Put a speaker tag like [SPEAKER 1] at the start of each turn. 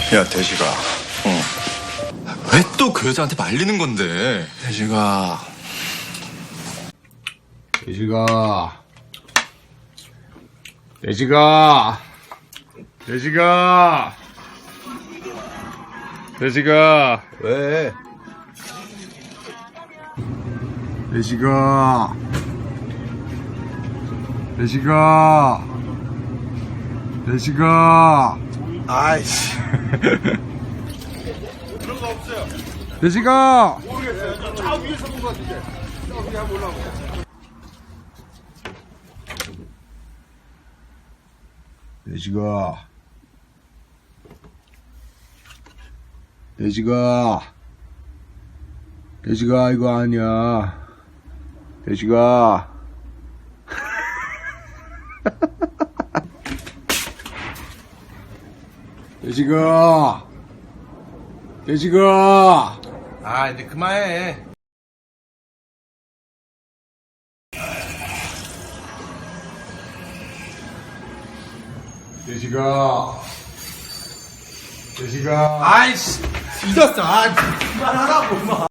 [SPEAKER 1] 야, 대식아. 응. 왜 또 그 여자한테 말리는 건데?
[SPEAKER 2] 돼지가
[SPEAKER 1] 왜? 아이씨.
[SPEAKER 2] 돼지가
[SPEAKER 3] 저 위에서 본 것 같은데. 저기 한번 올라가.
[SPEAKER 2] 돼지가 이거 아니야. 돼지가 돼지가
[SPEAKER 3] 아, 이제 그만해.
[SPEAKER 2] 돼지가
[SPEAKER 3] 아이씨, 잊었어. 아, 그만하라고, 마.